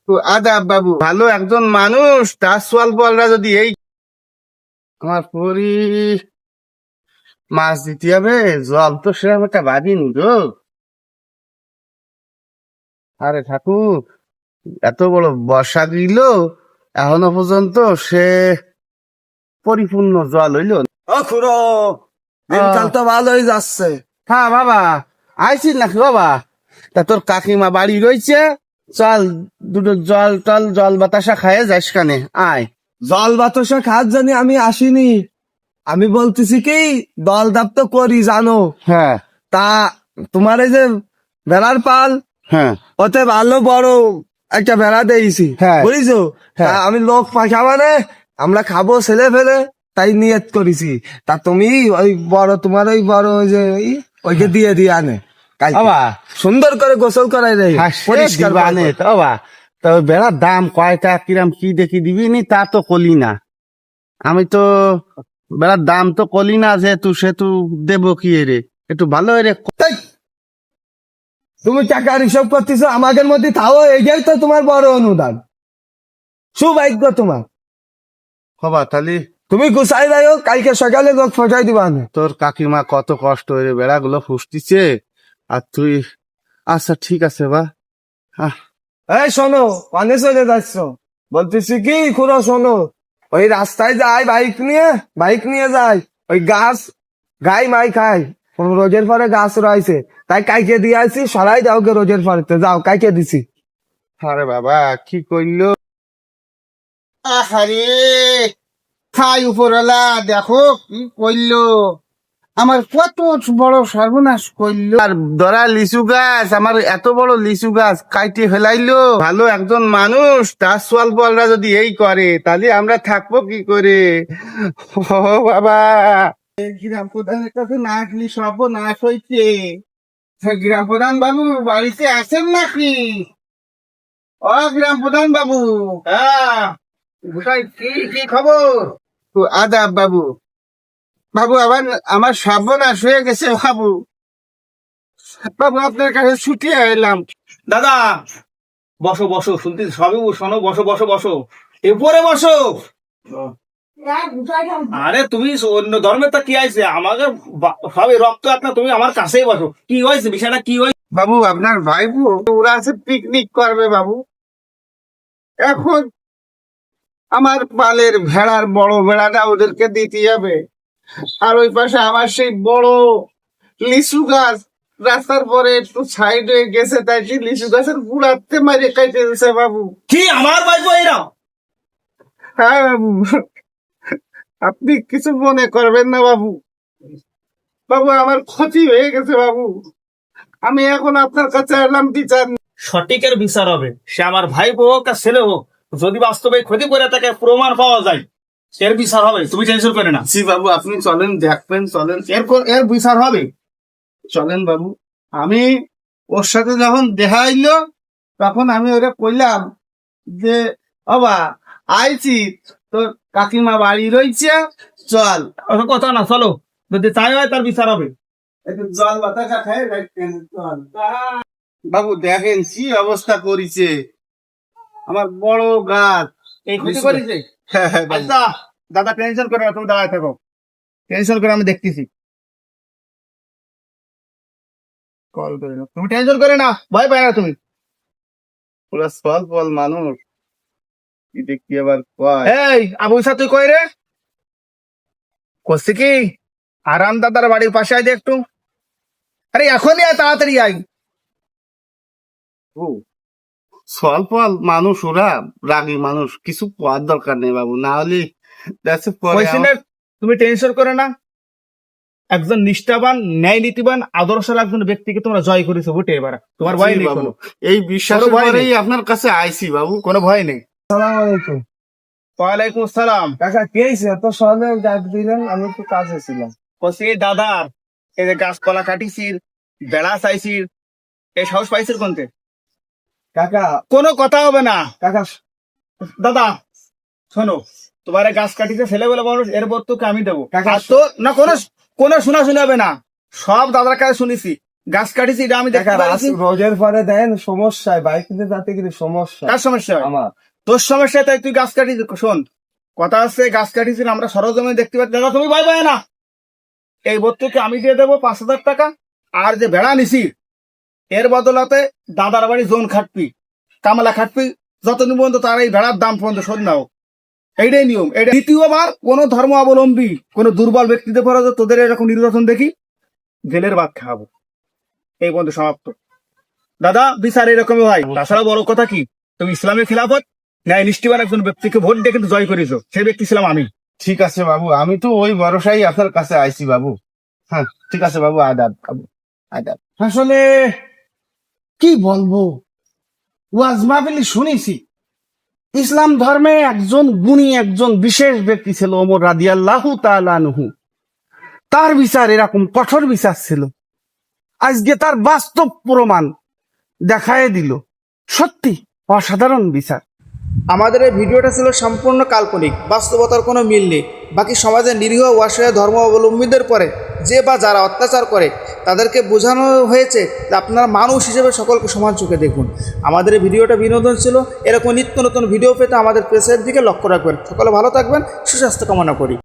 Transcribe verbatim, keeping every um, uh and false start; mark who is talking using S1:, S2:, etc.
S1: তো আদাব বাবু, ভালো একজন মানুষ, তার সোয়াল বলরা যদি এই আমার পরি মাছ দিতে হবে, জল তো সেরকম একটা বাঁধিনি গো। আরে ঠাকুর, এত বড় বর্ষা দিল, এখনো পর্যন্ত সে পরিপূর্ণ জল হইল না।
S2: ও খুড়ো, দিনকাল তো ভালোই যাচ্ছে।
S1: হ্যাঁ বাবা, আইছিস নাকি বাবা? তা তোর কাকিমা বাড়ি রয়েছে, চল দুটো জল টল জল বাতাসা খায় যাস কানে, আয়।
S2: জল বাতাসা খাত জানি আমি আসিনি, আমি বলতেছি কি দল দাপ তো করি জানো।
S1: হ্যাঁ
S2: তা তোমার এই যে ভেড়ার পাল,
S1: হ্যাঁ
S2: ওতে ভালো বড় একটা ভেড়া দিয়েছি,
S1: হ্যাঁ।
S2: বুঝছো? তা
S1: হ্যাঁ।
S2: আমি লোক পাশা মানে আমরা খাবো ছেলে ফেলে, তাই নিয়ত করেছি। তা তুমি ওই বড় তোমার ওই বড় ওই যে ই, ওইকে দিয়ে দিয়ে আনে কালকে।
S1: বাবা,
S2: সুন্দর করে গোসল করাই রে, পরিষ্কার
S1: আনে তো বাবা। তো বেড়ার দাম কয়টা কিরাম কি দেখি দিবি নি, তা তো কলি না। আমি তো বেড়ার দাম তো কলি না, যেহেতু সেতু দেবো কি রে, একটু ভালো রে।
S2: তাই তুমি টাকার হিসাব করতেছো আমাদের মধ্যে, তাও এইটাই তো তোমার বড় অনুদান, সুভাগ্য তোমার।
S1: বাবা তাহলে
S2: তুমি গুছাই যাও, কালকে সকালে লোক ফসাই দিবা না।
S1: তোর কাকিমা কত কষ্ট হয়ে বেড়াগুলো ফুসতিছে, আর তুই আচ্ছা ঠিক আছে বা। আহ,
S2: এই শোনো, পানে চলে যাচ্ছ, বলতেছি কি খুড়ো শোনো, ওই রাস্তায় যায় বাইক নিয়ে, বাইক নিয়ে যায়, ওই গাছ গাই মাই খায়, কোন রোজের পরে গাছ রয়েছে, তাই কাইকে দিয়ে আসি, সরাই যাও গে রোজের পরে, যাও কাইকে দিছি।
S1: আরে বাবা কি করলো, আহারে খাই উপরওয়ালা, দেখো কি করলো, আমার কত বড় সর্বনাশ করলো। আর ধরা লিচু গাছ, আমার এত বড় লিচু গাছ কাইটে ফেলাইলো। ভালো একজন মানুষ, তার সোয়াল বলরা যদি এই করে, তাহলে আমরা থাকবো কি করে? ও বাবা, গ্রাম প্রধানের কাছে না আসলি সর্বনাশ হইছে। গ্রাম প্রধান বাবু বাড়িতে আছেন নাকি? ও গ্রাম প্রধান বাবু, হ্যাঁ কি কি খবর? তো আদাব বাবু। বাবু আবার আমার সর্বনাশ হয়ে গেছে বাবু। বাবু আপনার কাছে ছুটি এলাম।
S3: দাদা বসো বসো, শুনতে সবই শোনো, বসো বসো বসো, এরপরে বসো। আরে তুমি অন্য ধর্মের তা কি আছে, আমাকে বা- সবই রক্ত আপনার, তুমি আমার কাছেই বসো। কি হয়েছে, বিষয়টা কি হয়েছে?
S1: বাবু আপনার ভাইপো ওরা আছে পিকনিক করবে বাবু। এখন আমার পালের ভেড়ার বড় ভেড়াটা ওদেরকে দিতে হবে, আর ওই পাশে আমার সেই বড় লিচু গাছ রাস্তার পরে একটু সাইড হয়ে গেছে, তাই সেই লিচু গাছের গুড়াতে মারে কাইতে দিছে বাবু।
S3: কি আমার ভাইপো এরা?
S1: হ্যাঁ বাবু, আপনি কিছু মনে করবেন না বাবু। বাবু আমার ক্ষতি হয়ে গেছে বাবু, আমি এখন আপনার কাছে এলাম বিচার।
S3: সঠিকের বিচার হবে, সে আমার ভাইপো হোক আর ছেলে হোক, যদি বাস্তবে ক্ষতি করে তাকে প্রমাণ পাওয়া যায়, এর বিচার হবে, তুমি টেনশন করে না।
S1: জি বাবু, আপনি চলেন, দেখবেন, চলেন, এর কো- এর বিচার হবে। চলেন বাবু। আমি ওর সাথে যখন দেখা হইলো, তখন আমি ওরা কইলাম যে বাবা আইছি, তোর কাকিমা বাড়ি রয়েছে, চল
S3: অত কথা না, চলো, যদি তাই হয় তার বিচার হবে।
S1: একটু জল বাতাসা খাই রাখতেন, চল। বাবু দেখেন কি অবস্থা করেছে আমার বড় গাছ।
S3: এই ক্ষতি করেছে।
S1: হ্যাঁ হ্যাঁ বাবু।
S3: আচ্ছা দাদা, টেনশন করে না, তুমি দাঁড়ায় থাকো, টেনশন করে আমি দেখতেছি। কল করে না, তুমি টেনশন করে না, ভয় পায় না তুমি।
S1: ওরা সল ফল মানুষ, কি দেখি আবার কয়।
S3: এই আবু ইসা, তুই কই রে? করছি কি, আরাম দাদার বাড়ির পাশে আয় দে একটু। আরে এখনই আয়, তাড়াতাড়ি আয়।
S1: ও সল ফল মানুষ, ওরা রাগী মানুষ, কিছু পাওয়ার দরকার নেই বাবু, না হলে দেখছে পরে
S3: কইছি না, তুমি টেনশন করে না। একজন নিষ্ঠাবান, ন্যায় নীতিবান, আদর্শের একজন ব্যক্তিকে তোমরা জয় করেছো বুটে, এবার তোমার ভয় নেই
S1: বাবু,
S3: কোনো।
S1: এই বিশ্বাসের
S3: কোনো ভয়
S1: পরেই
S3: নেই।
S1: আপনার কাছে আইছি বাবু।
S3: কোনো ভয় নেই।
S2: সালাম আলাইকুম।
S3: ওয়ালাইকুম আসসালাম।
S2: কাকা কে হয়েছে এত সহজে ডাক দিলেন? আমি একটু কাজে ছিলাম।
S3: কইছি দাদার এই যে গাছপালা কাটিছির, বেড়া চাইছির, এই সাহস পাইছির কোনতে?
S2: কাকা
S3: কোনো কথা হবে না।
S2: কাকা
S3: দাদা শোনো, তোমার এই গাছ কাটিতে ছেলে বলে মানুষ, এর বর্তকে আমি দেবো।
S2: কাকা,
S3: আর তো না কোনো কোনো শোনা শুনে হবে না, সব দাদার কাছে শুনেছি।
S1: গাছ কাটিছি এটা আমি দেখতে
S2: দেখা
S1: পাচ্ছি।
S2: রোজের পরে দেন সমস্যায় বাইক নিয়ে যাতে কিন্তু সমস্যা
S1: কার সমস্যা হয়?
S2: আমার
S1: তোর সমস্যা, তাই তুই গাছ কাটিস। শোন, কথা আছে, গাছ কাটিছি আমরা সরজমে দেখতে পাচ্ছি। দাদা তুমি ভয় পায় না, এই ভর্তুকি আমি দিয়ে দেবো পাঁচ হাজার টাকা। আর যে ভেড়া নিছি এর বদলাতে দাদার বাড়ি জোন খাটবি, কামালা খাটবি, যতদিন পর্যন্ত তার এই ভেড়ার দাম পর্যন্ত শোধ নাও। এইটাই নিয়ম। এটা দ্বিতীয়বার কোন ধর্ম অবলম্বী কোন দুর্বল ব্যক্তিদের পরে তোদের এরকম নির্বাচন দেখি, জেলের ভাত খাওয়াবো। এই পর্যন্ত সমাপ্ত। দাদা বিচার এরকমই হয়। তাছাড়া বড় কথা কি, তুমি ইসলামের খিলাফত ন্যায় নিষ্ঠিবান একজন ব্যক্তিকে ভোট দিয়ে কিন্তু জয় করেছো, সেই ব্যক্তি ছিলাম আমি।
S2: ঠিক আছে বাবু, আমি তো ওই ভরসাই আপনার কাছে আইছি বাবু। হ্যাঁ ঠিক আছে বাবু, আদাব বাবু, আদাব।
S1: আসলে কি বলবো, ওয়াজ মাহফিলে শুনেছি ইসলাম ধর্মে একজন গুণী একজন বিশেষ ব্যক্তি ছিল ওমর রাদিয়াল্লাহু তাআলা আনহু। তার বিচার এরকম কঠোর বিচার ছিল, আজকে তার বাস্তব প্রমাণ দেখায় দিল। সত্যি অসাধারণ বিচার।
S4: আমাদের এই ভিডিওটা ছিল সম্পূর্ণ কাল্পনিক, বাস্তবতার কোনো মিল নেই। বাকি সমাজের নিরীহ অসহায় ধর্ম অবলম্বীদের পরে যে বা যারা অত্যাচার করে তাদেরকে বোঝানো হয়েছে যে আপনারা মানুষ হিসেবে সকলকে সমান চোখে দেখুন। আমাদের এই ভিডিওটা বিনোদন ছিল। এরকম নিত্য নতুন ভিডিও পেতে আমাদের পেজের দিকে লক্ষ্য রাখবেন। সকলে ভালো থাকবেন, সুস্বাস্থ্য কামনা করি।